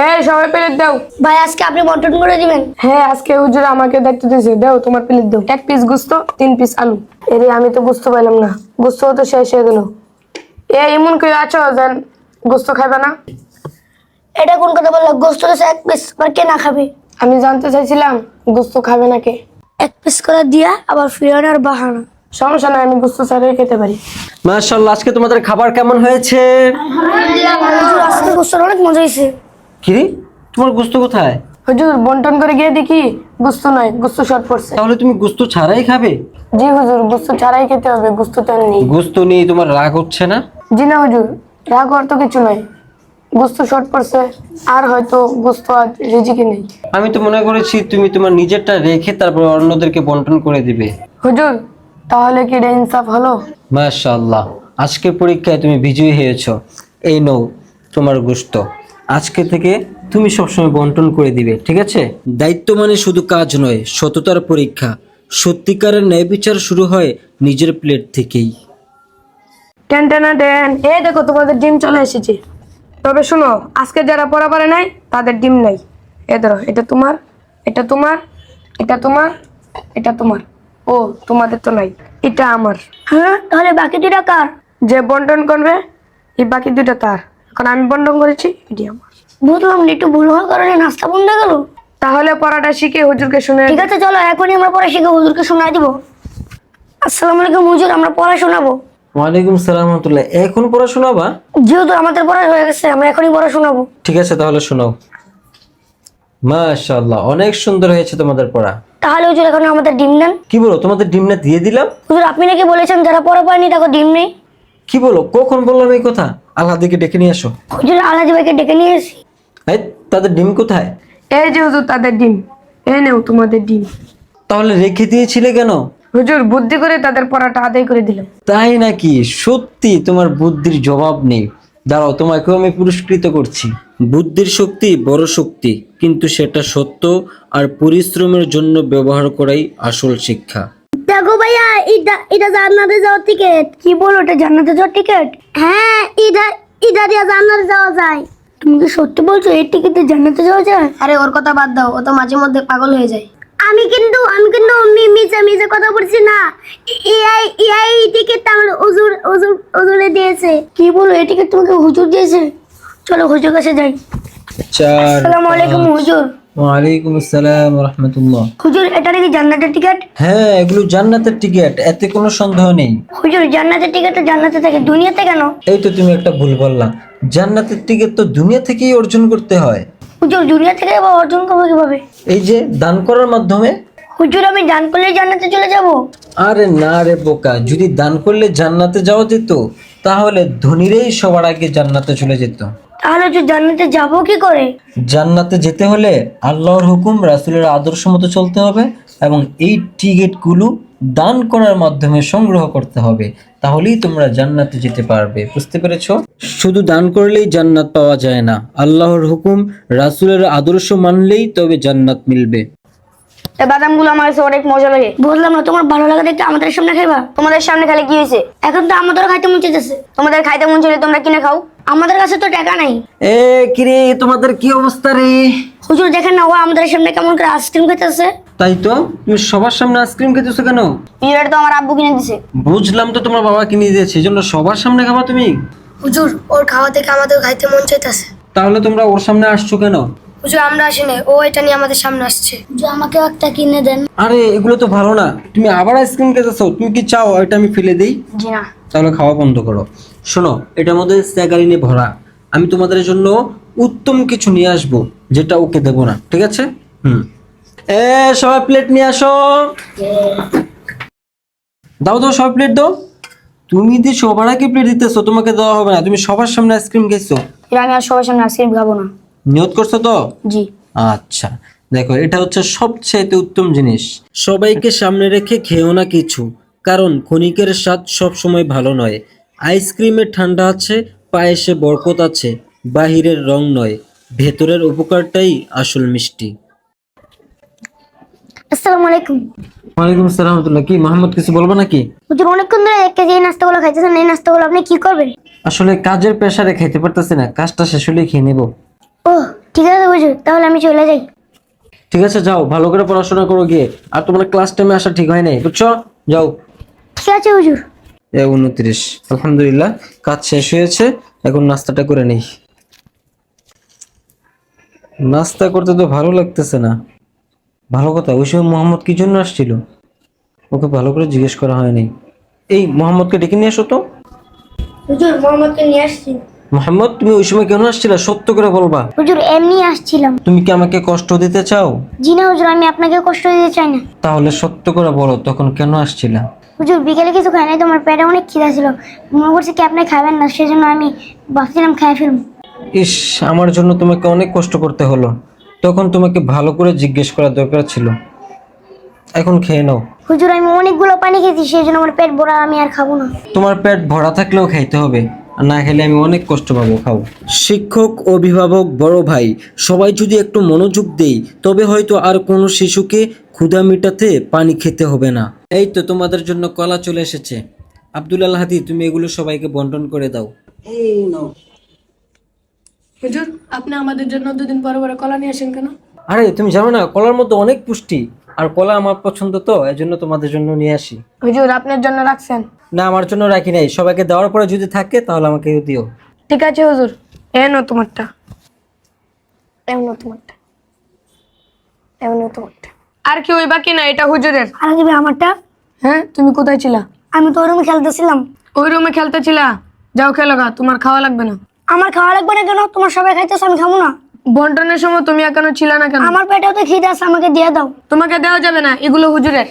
এই সবাই প্লেট দাও। ভাই আজকে আপনি বন্টন করে দিবেন? হ্যাঁ আজকে হুজুর আমাকে দায়িত্ব দিয়েছে, দাও তোমার প্লেট দাও। 1 পিস গোস্ত, 3 পিস আলু। এরে আমি তো গোস্ত পাইলাম না, গোস্ত তো শেষ হয়ে গেল। এমন কেউ আছো যেন গোস্ত খাবে না? এটা কোন কথা বললো? গোস্ত তো 1 পিস, আর কে না খাবে? আমি জানতে চাইছিলাম গোস্ত খাবে না কে। 1 পিস করে দিয়া আবার ফিরানোর বাহানা। সমস্যা নাই, আমি গোস্ত ছাড়াই খেতে পারি। মাশাআল্লাহ, আজকে তোমাদের খাবার কেমন হয়েছে? হুজুর আজকে গোস্ত অনেক মজা হয়েছে। কি রে, তোমার গোস্ত কোথায়? হুজুর বন্টন করে গিয়ে দেখি গোস্ত নয়, গোস্ত শর্ট পড়ছে। তাহলে তুমি গোস্ত ছাড়াই খাবে? জি হুজুর, গোস্ত ছাড়াই খেতে হবে, গোস্ত তো আর নেই। গোস্ত নিয়ে তোমার রাগ হচ্ছে না? জি না হুজুর, রাগ হওয়ার তো কিছু নয়, গোস্ত শর্ট পড়ছে, আর হয়তো গোস্ত আজ রিজিকে নেই। আমি তো মনে করেছি তুমি তোমার নিজেরটা রেখে তারপর অন্যদেরকে বন্টন করে দিবে। হুজুর তাহলে কি এটা ইনসাফ হলো? মাশাআল্লাহ, আজকে পরীক্ষায় তুমি বিজয়ী হয়েছো। এই নাও তোমার গোস্ত। আজকে থেকে তুমি সবসময় বন্টন করে দিবে, ঠিক আছে? দায়িত্ব মানে শুধু কাজ নয়, সততার পরীক্ষা। সত্যিকারের ন্যায় বিচার শুরু হয় নিজের প্লেট থেকেই। টেন টেন টেন, এই দেখো তোমাদের ডিম চলে এসেছে। তবে শোনো, আজকে যারা পড়া পারে নাই তাদের ডিম নাই। এ ধরো, এটা তোমার, এটা তোমার, এটা তোমার, এটা তোমার। ও তোমাদের তো নাই, এটা আমার। হ্যাঁ, তাহলে বাকি 2টা কার? যে বন্টন করবে এই বাকি 2টা তার। এখন আমি বন্টন করেছি, এটি আমার। বুঝলাম না, একটু ভুল হওয়ার কারণে নাস্তা বন্ধ হয়ে গেল। তাহলে পড়াটা শিখে হুজুরকে শুনে। ঠিক আছে, চলো এখনই আমরা পড়া শিখে হুজুরকে শোনাই দিব। আসসালামু আলাইকুম হুজুর, আমরা পড়া শোনাবো। ওয়ালাইকুম সালাম রাহমাতুল্লাহ। এখন পড়াশোনা বা? যেহেতু আমাদের পড়া হয়ে গেছে, আমরা এখনই পড়া শোনাবো। ঠিক আছে, তাহলে শোনাও। মাশাআল্লাহ, অনেক সুন্দর হয়েছে তোমাদের পড়া। তাহলে হুজুর এখন আমাদের ডিম দেন। কি বলো, তোমাদের ডিম না দিয়ে দিলাম? হুজুর আপনি নাকি বলেছেন যারা পড়া পায়নি তাকে ডিম নেই। কি বলো, কখন বললাম এই কথা? আল্লাহ দিকে ডেকে নিয়ে আসো। হুজুর আলাদি ভাইকে ডেকে নিয়ে এসি। এই, তাদের ডিম কোথায়? এই যে হুজুর তাদের ডিম, এ নেও তোমাদের ডিম। তাহলে রেখে দিয়েছিলে কেন? হুজুর বুদ্ধি করে তাদের পড়াটা আদায় করে দিলাম। তাই নাকি? সত্যি তোমার বুদ্ধির জবাব নেই। দাঁড়াও, তোমাকেও আমি পুরস্কৃত করছি। বুদ্ধির শক্তি বড় শক্তি, কিন্তু সেটা সত্য আর পরিশ্রমের জন্য ব্যবহার করাই আসল শিক্ষা। দেখো ভাইয়া, এটা জান্নাতে যাওয়ার টিকিট। কি বলো, এটা জান্নাতে যাওয়ার টিকিট? হ্যাঁ, এটা দিয়ে জান্নাতে যাওয়া যায়। তুমি কি সত্যি বলছো এই টিকিটে জান্নাতে যাওয়া যায়? আরে ওর কথা বাদ দাও, ও তো মাঝে মধ্যে পাগল হয়ে যায়। আমি কিন্তু মিছে কথা বলছি না। এই টিকিট আমার হুজুরে দিয়েছে। কি বলো, এই টিকিট তোমাকে হুজুর দিয়েছে? চলো হুজুর কাছে যাই। আসসালামু আলাইকুম হুজুর। ওয়ালাইকুম আসসালাম রাহমাতুল্লাহ। হুজুর এটা নাকি জান্নাতের টিকিট? হ্যাঁ, এগুলো জান্নাতের টিকিট, এতে কোনো সন্দেহ নেই। হুজুর জান্নাতের টিকিট তো জান্নাতে থাকে, দুনিয়াতে কেন? এই তো তুমি একটা ভুল বললা। জান্নাতের টিকিট তো দুনিয়া থেকেই অর্জন করতে হয়। হুজুর দুনিয়া থেকে আবার অর্জন করবো কিভাবে? এই যে দান করার মাধ্যমে। হুজুর আমি দান করলে জান্নাতে চলে যাব? আরে না রে বোকা, যদি দান করলে জান্নাতে যাওয়া যেত তাহলে ধনীরাই সবার আগে জান্নাতে চলে যেত। তাহলে হুজুর জান্নাতে যাব কি করে? জান্নাতে যেতে হলে আল্লাহর হুকুম, রাসূলের আদর্শ মতো চলতে হবে এবং এই টিকিটগুলো দান করার মাধ্যমে সংগ্রহ করতে হবে। তাহলেই তোমরা জান্নাতে যেতে পারবে। বুঝতে পেরেছো? শুধু দান করলেই জান্নাত পাওয়া যায় না, আল্লাহর হুকুম, রাসূলের আদর্শ মানলেই তবে জান্নাত মিলবে। এই বাদামগুলো আমার কাছে অনেক মজা লাগে। বললাম না, তোমার ভালো লাগে দেখতে আমাদের সামনে খাইবা? তোমাদের সামনে খেলে কি হয়েছে? এখন তো আমাদেরও খাইতে মন চাইতেছে। তোমাদের খাইতে মন চাইলে তোমরা কিনে খাও। আমাদের কাছে তো টাকা নাই। এ কিরে, তোমাদের কি অবস্থা রে? হুজুর দেখেন না, ও আমাদের সামনে কেমন করে আইসক্রিম খাইতেছে। তাই তো, তুমি সবার সামনে আইসক্রিম খেতেছো কেন? পিরিয়ড তো আমার আব্বু কিনে দিছে। বুঝলাম তো, তোমার বাবা কিনে দিয়েছে, এই জন্য সবার সামনে খাবা তুমি? হুজুর ওর খাওয়া থেকে আমাদের খাইতে মন চাইতেছে। তাহলে তোমরা ওর সামনে আসছো কেন? হুজুর আমরা আসি নাই, ও এটা নিয়ে আমাদের সামনে আসছে। যে আমাকে একটা কিনে দেন। আরে এগুলো তো ভালো না, তুমি আবার আইসক্রিম খেতেছো। তুমি কি চাও এটা আমি ফেলে দেই? জি না। তাহলে খাওয়া বন্ধ করো। শোনো, এটার মধ্যে স্যাকারিনে ভরা। আমি তোমাদের জন্য উত্তম কিছু নিয়ে আসবো, যেটা ওকে দেবো না, ঠিক আছে? এ সবাই প্লেট নিয়ে আসো। দাও দাও, সবাই প্লেট দাও। তুমি যে সবার আগে প্লেট দিতেছো, তোমাকে দেওয়া হবে না। তুমি সবার সামনে আইসক্রিম খেয়েছো। এর আমি আর সবার সামনে আইসক্রিম খাবো না। নিয়ত করছো তো? জি। আচ্ছা, দেখো, এটা হচ্ছে সবচেয়ে উত্তম জিনিস। সবাইকে সামনে রেখে খেও না কিছু, কারণ ক্ষণিকের স্বাদ সব সময় ভালো নয়। আইসক্রিমে ঠান্ডা আছে, পায়েসে বরকত আছে, বাহিরের রং নয়, ভেতরের উপকারটাই আসল মিষ্টি। আসসালামু আলাইকুম। ওয়ালাইকুম আসসালাম রাহমাতুল্লাহ। কি মোহাম্মদ, কিছু বলবো নাকি? হুজুর অনেকক্ষণ ধরে এক কেজি এই নাস্তাগুলো খাইতেছেন, এই নাস্তাগুলো আপনি কি করবেন? আসলে কাজের প্রেসারে খাইতে পারতেছি না, কাজটা শেষ হলেই খেয়ে নেবো। ও ঠিক আছে, হুজুর, তাহলে আমি চলে যাই। ঠিক আছে যাও, ভালো করে পড়াশোনা করো গিয়ে। আর তোমার ক্লাস টাইমে আসা ঠিক হয় নাই, বুঝছো? যাও। ঠিক আছে হুজুর। 29। আলহামদুলিল্লাহ, কাজ শেষ হয়েছে, এখন নাস্তাটা করে নেই। নাস্তা করতে তো ভালো লাগতেছে না। ভালো কথা, ওই সময় মোহাম্মদ কি জন্য আসছিল? ওকে ভালো করে জিজ্ঞেস করা হয়নি। এই মোহাম্মদকে ডেকে নিয়ে এসো তো। হুজুর, মোহাম্মদকে নিয়ে আসছি। মোহাম্মদ, তুমি ওই সময় কেন আসছিলা? সত্য করে বলবা। হুজুর, এমনি আসছিলাম। তুমি কি আমাকে কষ্ট দিতে চাও? জি না হুজুর, আমি আপনাকে কষ্ট দিতে চাই না। তাহলে সত্য করে বলো, তখন কেন আসছিলা? হুজুর, বিকেলে কিছু খাই নাই, তোমার পেটে অনেক খিদা ছিল। মনে করছি কি আপনি খাবেন না, সেজন্য আমি ভাবছিলাম খাই ফেলবো। ইস, আমার জন্য তোমাকে অনেক কষ্ট করতে হলো। তখন তোমাকে ভালো করে জিজ্ঞেস করা দরকার ছিল। এখন খেয়ে নাও। হুজুর, আমি অনেকগুলো পানি খেয়েছি, সেই জন্য আমার পেট ভরা, আমি আর খাবো না। তোমার পেট ভরা থাকলেও খাইতে হবে, আর না খেলে আমি অনেক কষ্ট পাবো। খাও। শিক্ষক, অভিভাবক, বড় ভাই সবাই যদি একটু মনোযোগ দেই, তবে হয়তো আর কোনো শিশুকে ক্ষুধা মেটাতে পানি খেতে হবে না। এই তো তোমাদের জন্য কলা চলে এসেছে। আব্দুল আল হাদি, তুমি এগুলো সবাইকে বন্টন করে দাও। হুজুর, আপনি আমাদের জন্য দুদিন পরে পরে কলা নিয়ে আসেন কেন? আরে তুমি জানো না, কলার মধ্যে অনেক পুষ্টি, আর কলা আমার পছন্দ, তো এজন্য তোমাদের জন্য নিয়ে আসি। হুজুর, আপনার জন্য রাখছেন? না, আমার জন্য রাখি নাই, সবাইকে দেওয়ার পরে যদি থাকে তাহলে আমাকে দিও। ঠিক আছে হুজুর, এনো তোমারটা, এনো তোমারটা, এনো তোমারটা। আর কি ওই বাকি না, এটা হুজুরের। আর দিবে আমারটা। হ্যাঁ, তুমি কোথায় ছিলা? আমি তো ওই রুমে খেলতেছিলাম। ওই রুমে খেলতেছিলা? যাও খেলো গা, তোমার খাওয়া লাগবে না। আমার খাওয়া লাগবে না কেন? তোমার সবাই খাইতেছে, আমি খাবো না। বন্টনের সময় তুমি এখনো ছিলা না কেন? আমার পেটেও তো খিদে আছে, আমাকে দিয়ে দাও। তোমাকে দেওয়া যাবে না, এগুলো হুজুরের।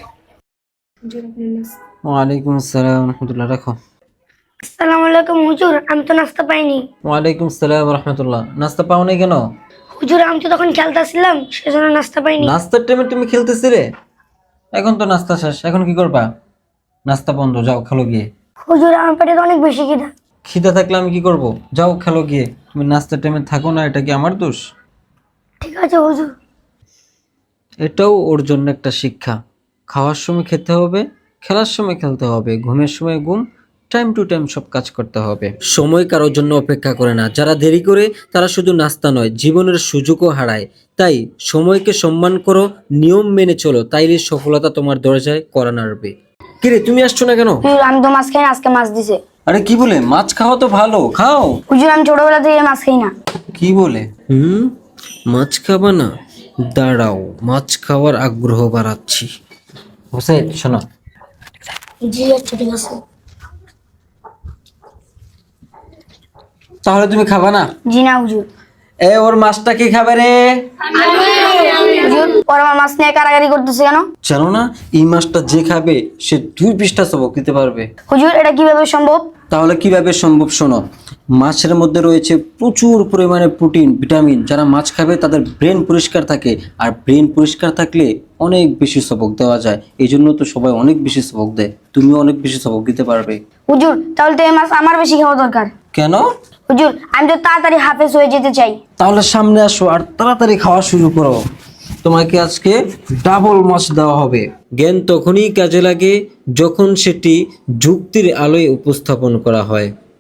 ওয়ালাইকুম আসসালাম রহমতুল্লাহ, রাখো। আসসালামু আলাইকুম হুজুর, আমি তো নাস্তা পাইনি। ওয়ালাইকুম আসসালাম রহমতুল্লাহ। নাস্তা পাও নাই কেন? হুজুর, আমি তো তখন খেলতেছিলাম, সেজন্য নাস্তা পাইনি। নাস্তার টাইমে তুমি খেলতেছিলে? এখন তো নাস্তা শেষ, এখন কি করবা? নাস্তা বন্ধ, যাও খেলো গিয়ে। হুজুর, আমার পেটে তো অনেক বেশি খিদা। খিদা থাকলে আমি কি করব? যাও খেলো গিয়ে। তুমি নাস্তার টাইমে থাকো না, এটা কি আমার দোষ? ঠিক আছে হুজুর। এটাও ওর জন্য একটা শিক্ষা। খাওয়ার সময় খেতে হবে, খেলার সময় খেলতে হবে, ঘুমের সময় ঘুম, টাইম টু টাইম সব কাজ করতে হবে। সময় কারোর জন্য অপেক্ষা করে না। যারা দেরি করে তারা শুধু নাস্তা নয়, জীবনের সুযোগও হারায়। তাই সময়কে সম্মান করো, নিয়ম মেনে চলো, তাইলে সফলতা তোমার দরজায় কড়া নাড়বে। কিরে, তুমি আসছো না কেন? হুজুর, আমি তো মাছ খাই না, আজকে মাছ দিছে। আরে কি বলে? মাছ খাওয়া তো ভালো, খাও। হুজুর, আমি ছোটবেলা থেকে মাছ খাই না। কি বলে? মাছ খাবা না? দাঁড়াও, মাছ খাওয়ার আগ্রহ বাড়াচ্ছি। হোসেন শোনো। জি আচ্ছা, ঠিক আছে। তাহলে তুমি খাবা না? জি না হুজুর। ওর মাছটা কি খাবে রে? হুজুর, ওর আমার মাছ নিয়ে কারাগারি করতেছে কেন? জানো না, এই মাছটা যে খাবে সে 2 পৃষ্ঠা সবক দিতে পারবে। হুজুর, এটা কিভাবে সম্ভব? তাহলে কিভাবে সম্ভব শোনো। মাছের মধ্যে রয়েছে প্রচুর পরিমাণে প্রোটিন, ভিটামিন। যারা মাছ খাবে তাদের ব্রেন পরিষ্কার থাকে, আর ব্রেন পরিষ্কার থাকলে অনেক বেশি সবক দেওয়া যায়। এই জন্য তো সবাই অনেক বেশি সবক দেয়, তুমিও অনেক বেশি সবক দিতে পারবে। হুজুর, তাহলে তো এই মাছ আমার বেশি খাওয়া দরকার। কেন? হুজুর, আমি তো তাড়াতাড়ি হাফেজ হয়ে যেতে চাই। তাহলে সামনে আসো আর তাড়াতাড়ি খাওয়া শুরু করো। তোমাকে আজকে ডাবল মাছ দেওয়া হবে। জ্ঞান তখনই কাজে লাগে যখন সেটি যুক্তির আলোয় উপস্থাপন করা হয়।